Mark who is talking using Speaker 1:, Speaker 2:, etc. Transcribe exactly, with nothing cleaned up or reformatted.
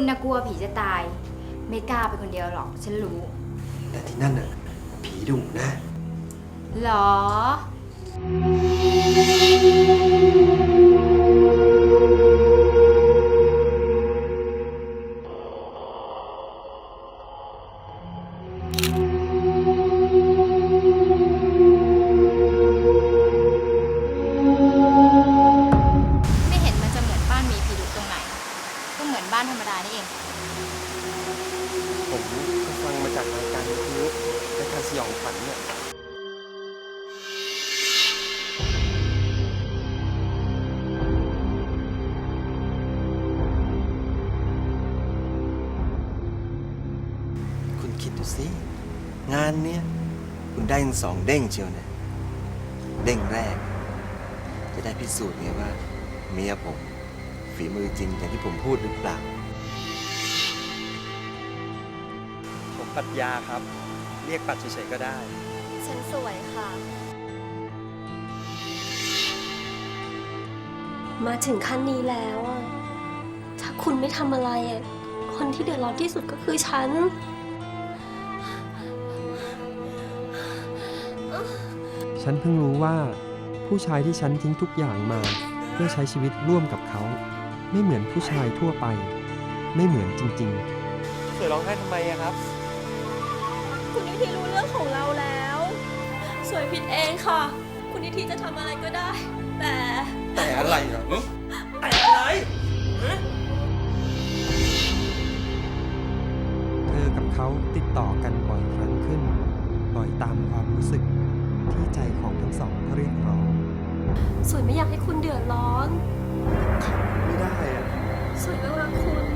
Speaker 1: นะกลัวผีจะตาย ไม่กล้าไปคนเดียวหรอกฉันรู้
Speaker 2: แต่ที่นั่นน่ะผีดุนะ
Speaker 1: หรอ ไม่เห็นมันจะเหมือนบ้านมีผีดุตรงไหน ก็เหมือนบ้านธรรมดานี่เอง
Speaker 2: ผมก็ฟังมาจากรายการวิทยุรายการสยองขวัญเนี่ยคุณคิดดูสิ งานเนี้ยคุณได้ถึงสองเด้งเชียวนะเด้งแรก จะได้พิสูจน์ไงว่า เมียผม ฝีมือจริงอย่างที่ผมพูดหรือเปล่า
Speaker 3: ผมปรัชญาครับ เรียกปัดเฉยๆก็ได้
Speaker 4: ฉันสวยค่ะ มาถึงขั้นนี้แล้วอะถ้าคุณไม่ทำอะไรอะคนที่เดือดร้อนที่สุดก็คือฉัน
Speaker 5: ฉันเพิ่งรู้ว่าผู้ชายที่ฉันทิ้งทุกอย่างมาเพื่อใช้ชีวิตร่วมกับเขา ไม่เหมือนผู้ชายทั่วไป ไม่เหมือนจริงๆ
Speaker 3: สวยร้องไห้ทำไมอะครับ
Speaker 4: คุณนิธิรู้เรื่องของเราแล้ว สวยผิดเองค่ะ คุณนิธิจะทำอะไรก็ได้ แต่
Speaker 2: แต่อะไรเหรอแต่อะไร
Speaker 5: เธอกับเขาติดต่อกันบ่อยครั้งขึ้น บ่อยตามความรู้สึกที่ใจของทั้งสองเรียกร้อง
Speaker 4: สวยไม่อยากให้คุณเดือดร้อน
Speaker 2: ไม่ได้อะ
Speaker 4: สวยก็รักคุณ